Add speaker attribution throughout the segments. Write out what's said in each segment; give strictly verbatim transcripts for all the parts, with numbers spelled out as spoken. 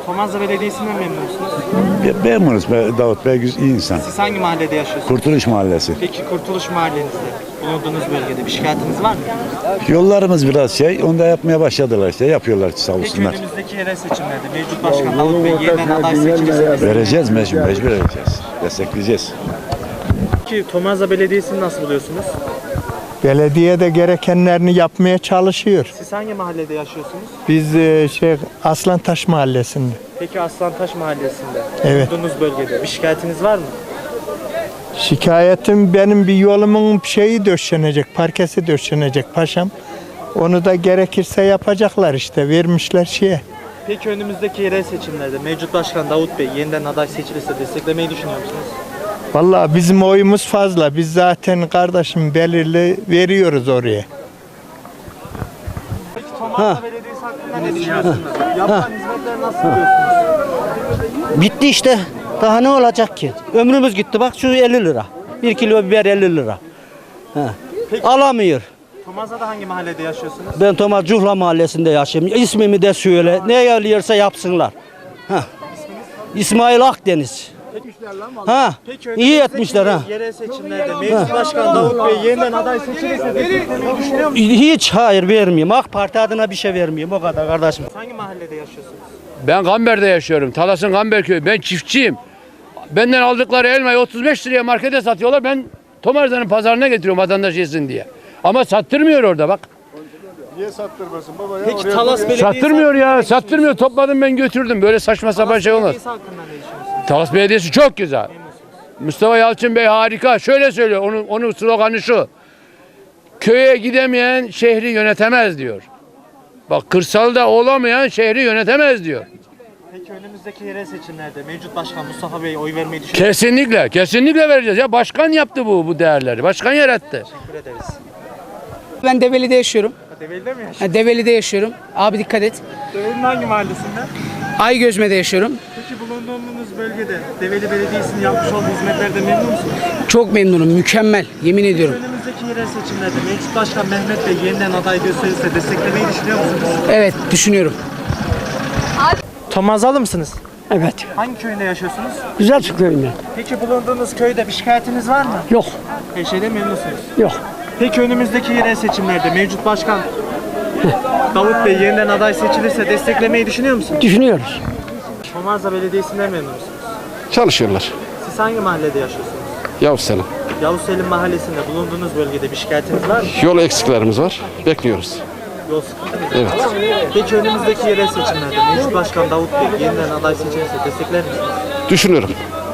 Speaker 1: Tomarza Belediyesi'nden memnun musunuz?
Speaker 2: Be memnunuz. Be Davut Bey iyi insan.
Speaker 1: Siz hangi mahallede yaşıyorsunuz?
Speaker 2: Kurtuluş Mahallesi.
Speaker 1: Peki Kurtuluş Mahallenizde bulunduğunuz bölgede bir şikayetiniz var mı?
Speaker 2: Yollarımız biraz şey, onu da yapmaya başladılar işte. Yapıyorlar sağ
Speaker 1: Peki
Speaker 2: olsunlar.
Speaker 1: önümüzdeki yerel seçimlerde mevcut başkan Davut Bey yeniden aday seçilirse
Speaker 2: Vereceğiz mecbur, mecbur vereceğiz. Destekleyeceğiz.
Speaker 1: Peki Tomarza Belediyesi'ni nasıl buluyorsunuz?
Speaker 3: Belediye de gerekenlerini yapmaya çalışıyor.
Speaker 1: Siz hangi mahallede yaşıyorsunuz?
Speaker 3: Biz e, şey Aslantaş Mahallesi'nde.
Speaker 1: Peki Aslantaş Mahallesi'nde
Speaker 3: Evet.
Speaker 1: bulunduğunuz bölgede bir şikayetiniz var mı?
Speaker 3: Şikayetim benim bir yolumun şeyi döşenecek, parkesi döşenecek paşam. Onu da gerekirse yapacaklar işte, vermişler şeye.
Speaker 1: Peki önümüzdeki yerel seçimlerde mevcut başkan Davut Bey yeniden aday seçilirse desteklemeyi düşünüyor musunuz?
Speaker 3: Vallahi bizim oyumuz fazla. Biz zaten kardeşim belirli veriyoruz oraya.
Speaker 1: Peki Tomarza Belediyesi hakkında ne düşünüyorsunuz? Yapılan hizmetleri nasıl buluyorsunuz?
Speaker 4: Bitti işte. Daha ne olacak ki? Ömrümüz gitti. Bak şu elli lira. Bir kilo biber elli lira. He. Alamıyor.
Speaker 1: Tomarza'da hangi mahallede yaşıyorsunuz?
Speaker 4: Ben Tomar Cuhla Mahallesi'nde yaşıyorum. İsmimi de söyle. Ne yapıyorsa yapsınlar. Ha. İsmail Akdeniz. Ha.
Speaker 1: Peki
Speaker 4: İyi
Speaker 1: önümüzdeki
Speaker 4: etmişler ha.
Speaker 1: yerel seçimlerde mevcut başkan Davut Bey yeniden aday seçilirse desteklemeyi düşünüyor musunuz?
Speaker 4: Hiç hayır vermiyorum. AK Parti adına bir şey vermiyorum. O kadar kardeşim.
Speaker 1: Hangi mahallede yaşıyorsunuz?
Speaker 5: Ben Gamber'de yaşıyorum. Talas'ın Gamber köyü. Ben çiftçiyim. Benden aldıkları elmayı otuz beş liraya markete satıyorlar. Ben Tomarza'nın pazarına getiriyorum vatandaş yesin diye. Ama sattırmıyor orada bak.
Speaker 6: Niye sattırmasın baba ya?
Speaker 1: Peki
Speaker 6: Oraya
Speaker 1: Talas Belediyesi
Speaker 5: Sattırmıyor
Speaker 1: hakkında
Speaker 5: ya.
Speaker 1: ne
Speaker 5: Sattırmıyor. Topladım ben götürdüm. Böyle saçma sapan
Speaker 1: Talas
Speaker 5: şey olmaz.
Speaker 1: Belediyesi hakkında ne düşünüyorsunuz?
Speaker 5: Talas Belediyesi çok güzel. Mustafa Yalçın Bey harika. Şöyle söylüyor. Onun, onun sloganı şu. Köye gidemeyen şehri yönetemez diyor. Bak kırsalda olamayan şehri yönetemez diyor.
Speaker 1: Peki önümüzdeki yerel seçimlerde mevcut başkan Mustafa Bey'e oy vermeyi düşünüyor musunuz?
Speaker 5: Kesinlikle. Kesinlikle vereceğiz. Ya başkan yaptı bu bu değerleri. Başkan yarattı.
Speaker 1: Teşekkür ederiz.
Speaker 7: Ben Develi'de yaşıyorum.
Speaker 1: Develi'de mi yaşıyorsunuz?
Speaker 7: Ha, Develi'de yaşıyorum. Abi dikkat et.
Speaker 1: Develi'nin hangi mahallesinde?
Speaker 7: Aygözme'de yaşıyorum.
Speaker 1: Peki bulunduğunuz bölgede Develi Belediyesi'nin yapmış olduğu hizmetlerden memnun musunuz?
Speaker 7: Çok memnunum. Mükemmel. Yemin ediyorum.
Speaker 1: Önümüzdeki yerel seçimlerde mevcut başkan Mehmet Bey yeniden aday gösterirse desteklemeyi düşünüyor musunuz?
Speaker 7: Evet, düşünüyorum.
Speaker 1: Tomarzalı mısınız?
Speaker 8: Evet.
Speaker 1: Hangi köyünde yaşıyorsunuz?
Speaker 8: Güzel köyünde.
Speaker 1: Peki bulunduğunuz köyde bir şikayetiniz var mı?
Speaker 8: Yok.
Speaker 1: Her şeyden memnunsunuz.
Speaker 8: Yok.
Speaker 1: Peki önümüzdeki yerel seçimlerde mevcut başkan Davut Bey yeniden aday seçilirse desteklemeyi düşünüyor musunuz?
Speaker 8: Düşünüyoruz.
Speaker 1: Tomarza Belediyesi'nden memnun musunuz?
Speaker 9: Çalışıyorlar.
Speaker 1: Siz hangi mahallede yaşıyorsunuz?
Speaker 9: Yavuz Selim.
Speaker 1: Yavuz Selim Mahallesi'nde bulunduğunuz bölgede bir şikayetiniz var mı?
Speaker 9: Yol eksiklerimiz var. Bekliyoruz.
Speaker 1: Yol sıkıntı mı?
Speaker 9: Evet.
Speaker 1: Peki önümüzdeki yerel seçimlerde mevcut başkan Davut Bey yeniden aday seçilirse destekler misiniz?
Speaker 9: Düşünüyorum.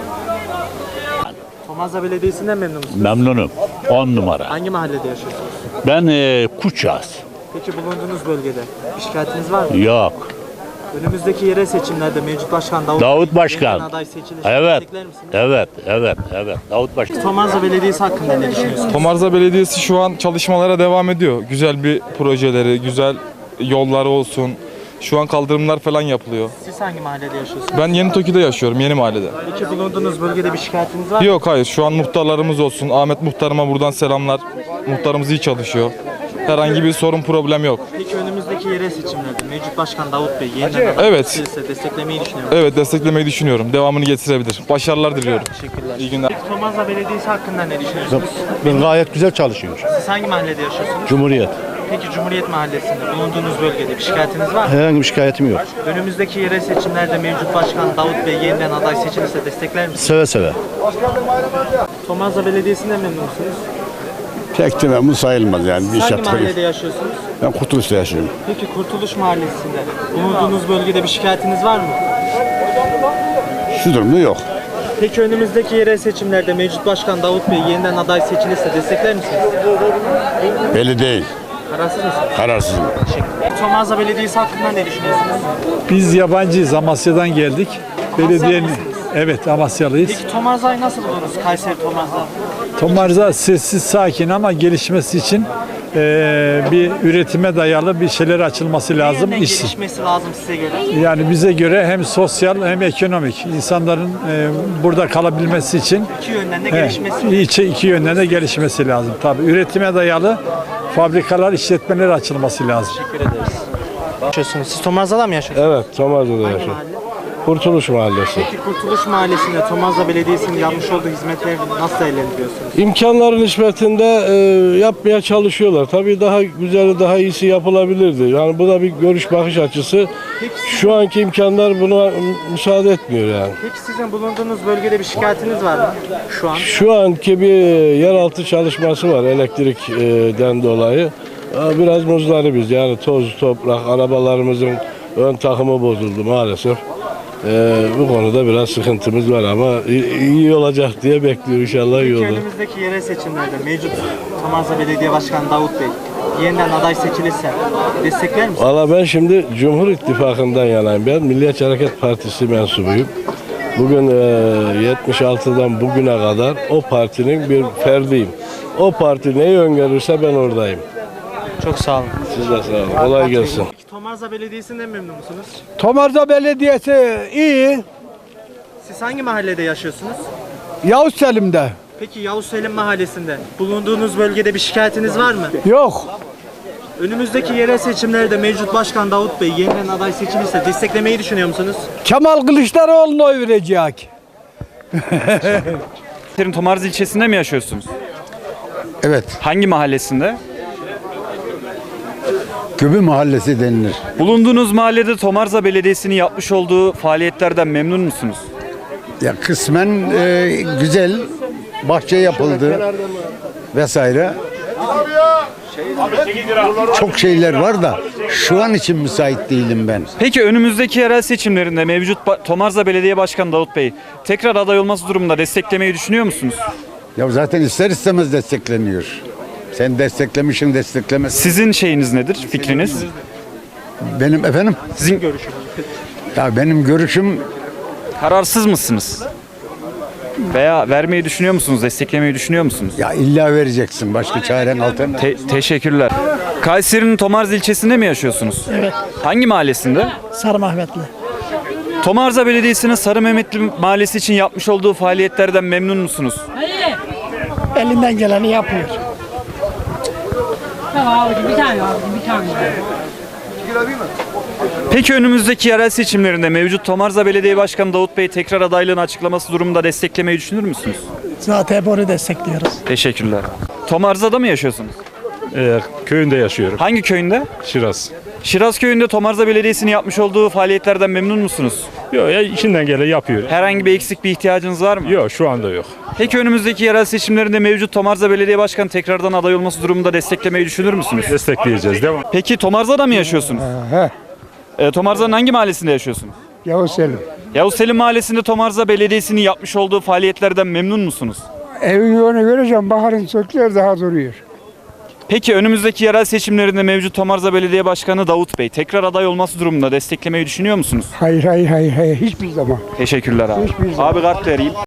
Speaker 1: Tomarza Belediyesi'nden memnun musunuz?
Speaker 10: Memnunum. on numara.
Speaker 1: Hangi mahallede yaşıyorsunuz?
Speaker 10: Ben e, Kuças.
Speaker 1: Peki bulunduğunuz bölgede bir şikayetiniz var mı?
Speaker 10: Yok.
Speaker 1: Önümüzdeki yerel seçimlerde mevcut başkan Davut,
Speaker 10: Davut
Speaker 1: Bey
Speaker 10: Başkan.
Speaker 1: yeniden aday seçilirse
Speaker 10: Evet.
Speaker 1: destekler misiniz?
Speaker 10: Evet, evet, evet. Davut Başkan.
Speaker 1: Tomarza Belediyesi hakkında ne düşünüyorsunuz?
Speaker 6: Tomarza Belediyesi şu an çalışmalara devam ediyor. Güzel bir projeleri, güzel yolları olsun. Şu an kaldırımlar falan yapılıyor.
Speaker 1: Siz hangi mahallede yaşıyorsunuz?
Speaker 6: Ben Yeni Toki'de yaşıyorum, Yeni Mahallede.
Speaker 1: Peki bulunduğunuz bölgede bir şikayetiniz var mı?
Speaker 6: Yok hayır, şu an muhtarlarımız olsun. Ahmet muhtarıma buradan selamlar. Muhtarımız iyi çalışıyor. Herhangi bir sorun, problem yok.
Speaker 1: Peki önümüzdeki yerel seçimlerde mevcut başkan Davut Bey yeniden aday
Speaker 6: Evet.
Speaker 1: seçilirse desteklemeyi düşünüyor musunuz?
Speaker 6: Evet, desteklemeyi düşünüyorum. Devamını getirebilir. Başarılar diliyorum.
Speaker 1: Teşekkürler.
Speaker 6: İyi günler.
Speaker 1: Peki Tomarza Belediyesi hakkında ne düşünüyorsunuz?
Speaker 10: Ben gayet güzel çalışıyor.
Speaker 1: Siz hangi mahallede yaşıyorsunuz?
Speaker 10: Cumhuriyet.
Speaker 1: Peki Cumhuriyet Mahallesi'nde bulunduğunuz bölgede bir şikayetiniz var mı?
Speaker 10: Herhangi bir şikayetim yok.
Speaker 1: Önümüzdeki yerel seçimlerde mevcut başkan Davut Bey yeniden aday seçilirse destekler misiniz?
Speaker 10: Seve seve.
Speaker 1: Tomarza Belediyesi'nden memnun musunuz?
Speaker 2: Pek de memnun sayılmaz yani.
Speaker 1: Siz hangi mahallede yaşıyorsunuz?
Speaker 2: Ben Kurtuluş'ta yaşıyorum.
Speaker 1: Peki Kurtuluş Mahallesi'nde bulunduğunuz bölgede bir şikayetiniz var mı?
Speaker 2: Şu durumda yok.
Speaker 1: Peki önümüzdeki yerel seçimlerde mevcut başkan Davut Bey yeniden aday seçilirse destekler misiniz?
Speaker 2: Belli değil.
Speaker 1: Kararsız mısınız?
Speaker 2: Kararsızım.
Speaker 1: Tomarza Belediyesi hakkında ne düşünüyorsunuz?
Speaker 11: Biz yabancıyız. Amasya'dan geldik. Belediyenin
Speaker 1: mısınız?
Speaker 11: evet Amasyalıyız.
Speaker 1: Peki Tomarza'yı nasıl buldunuz? Kayseri Tomarza.
Speaker 11: Tomarza sessiz sakin ama gelişmesi için eee, bir üretime dayalı bir şeyler açılması
Speaker 1: Ne
Speaker 11: lazım.
Speaker 1: yönden
Speaker 11: İş,
Speaker 1: gelişmesi lazım size göre?
Speaker 11: yani bize göre hem sosyal hem ekonomik insanların eee, burada kalabilmesi için
Speaker 1: İki yönden de
Speaker 11: he,
Speaker 1: gelişmesi.
Speaker 11: iki, iki yönden de gelişmesi lazım. Tabii üretime dayalı fabrikalar, işletmeler açılması lazım.
Speaker 1: Teşekkür ederiz. Yaşıyorsunuz. Siz Tomarza'da mı yaşıyorsunuz?
Speaker 9: Evet, Tomarza'da
Speaker 1: Hangi
Speaker 9: yaşıyorum.
Speaker 1: mahalle?
Speaker 8: Kurtuluş Mahallesi.
Speaker 1: Peki Kurtuluş Mahallesi'nde Tomarza Belediyesi'nin yapmış olduğu hizmetleri nasıl değerlendiriyorsunuz?
Speaker 8: İmkanların nispetinde e, yapmaya çalışıyorlar. Tabii daha güzeli, daha iyisi yapılabilirdi. Yani bu da bir görüş bakış açısı. Şu anki imkanlar buna müsaade etmiyor yani.
Speaker 1: Peki sizin bulunduğunuz bölgede bir şikayetiniz var mı şu an?
Speaker 8: Şu anki bir yeraltı çalışması var elektrikten dolayı. Biraz muzdaribiz. Yani toz, toprak, arabalarımızın ön takımı bozuldu maalesef. Ee, bu konuda biraz sıkıntımız var ama iyi olacak diye bekliyor inşallah iyi olur.
Speaker 1: Önümüzdeki yerel seçimlerde mevcut Tomarza Belediye Başkanı Davut Bey yeniden aday seçilirse destekler misiniz?
Speaker 8: Valla ben şimdi Cumhur İttifakı'ndan yanayım. Ben Milliyetçi Hareket Partisi mensubuyum. Bugün e, yetmiş altıdan bugüne kadar o partinin bir ferdiyim. O parti neyi öngörürse ben oradayım.
Speaker 1: Çok sağ olun.
Speaker 8: Siz de sağ olun. Kolay gelsin.
Speaker 1: Peki Tomarza Belediyesi'nden memnun musunuz?
Speaker 3: Tomarza Belediyesi iyi.
Speaker 1: Siz hangi mahallede yaşıyorsunuz?
Speaker 3: Yavuz Selim'de.
Speaker 1: Peki Yavuz Selim Mahallesi'nde bulunduğunuz bölgede bir şikayetiniz var mı?
Speaker 3: Yok.
Speaker 1: Önümüzdeki yerel seçimlerde mevcut başkan Davut Bey yeniden aday seçilirse desteklemeyi düşünüyor musunuz?
Speaker 3: Kemal Kılıçdaroğlu'na oy verecek.
Speaker 12: Tomarza ilçesinde mi yaşıyorsunuz?
Speaker 2: Evet.
Speaker 12: Hangi mahallesinde?
Speaker 2: Göbü Mahallesi denilir.
Speaker 12: Bulunduğunuz mahallede Tomarza Belediyesi'nin yapmış olduğu faaliyetlerden memnun musunuz?
Speaker 2: Ya kısmen e, güzel. Bahçe yapıldı vesaire. Çok şeyler var da şu an için müsait değilim ben.
Speaker 12: Peki önümüzdeki yerel seçimlerinde mevcut Ba- Tomarza Belediye Başkanı Davut Bey tekrar aday olması durumunda desteklemeyi düşünüyor musunuz?
Speaker 2: Ya zaten ister istemez destekleniyor. Sen desteklemişsin, desteklemez.
Speaker 12: Sizin şeyiniz nedir, fikriniz?
Speaker 2: Benim efendim?
Speaker 12: Sizin
Speaker 2: Ya benim görüşüm
Speaker 12: kararsız mısınız? Veya vermeyi düşünüyor musunuz, desteklemeyi düşünüyor musunuz?
Speaker 2: ya illa vereceksin. Başka çaren alternatif.
Speaker 12: Te- teşekkürler. Kayseri'nin Tomarza ilçesinde mi yaşıyorsunuz?
Speaker 3: Evet.
Speaker 12: Hangi mahallesinde?
Speaker 3: Sarı Mehmetli.
Speaker 12: Tomarza Belediyesi'nin Sarı Mehmetli Mahallesi için yapmış olduğu faaliyetlerden memnun musunuz?
Speaker 3: Elinden geleni yapıyor.
Speaker 7: Bir tane abi, bir tane.
Speaker 12: Peki önümüzdeki yerel seçimlerinde mevcut Tomarza Belediye Başkanı Davut Bey tekrar adaylığını açıklaması durumunda desteklemeyi düşünür müsünüz?
Speaker 3: Zaten hep onu destekliyoruz.
Speaker 12: Teşekkürler. Tomarza'da mı yaşıyorsunuz?
Speaker 11: Ee, köyünde yaşıyorum.
Speaker 12: Hangi köyünde?
Speaker 11: Şiraz.
Speaker 12: Şiraz köyünde Tomarza Belediyesi'nin yapmış olduğu faaliyetlerden memnun musunuz?
Speaker 11: Yok ya içinden gelen yapıyor.
Speaker 12: Herhangi bir eksik bir ihtiyacınız var mı?
Speaker 11: Yok şu anda yok.
Speaker 12: Peki önümüzdeki yerel seçimlerinde mevcut Tomarza Belediye Başkanı tekrardan aday olması durumunda desteklemeyi düşünür müsünüz?
Speaker 11: Destekleyeceğiz. Devam.
Speaker 12: Peki Tomarza'da mı yaşıyorsunuz?
Speaker 3: He.
Speaker 12: Ee, Tomarza'nın hangi mahallesinde yaşıyorsunuz?
Speaker 3: Yavuz Selim.
Speaker 12: Yavuz Selim Mahallesi'nde Tomarza Belediyesi'nin yapmış olduğu faaliyetlerden memnun musunuz?
Speaker 3: Evin yolunu vereceğim. Baharın sökler daha duruyor.
Speaker 12: Peki önümüzdeki yerel seçimlerinde mevcut Tomarza Belediye Başkanı Davut Bey tekrar aday olması durumunda desteklemeyi düşünüyor musunuz?
Speaker 3: Hayır hayır hayır hayır hiçbir zaman.
Speaker 12: Teşekkürler abi.
Speaker 3: Hiçbir zaman.
Speaker 12: Abi kart vereyim.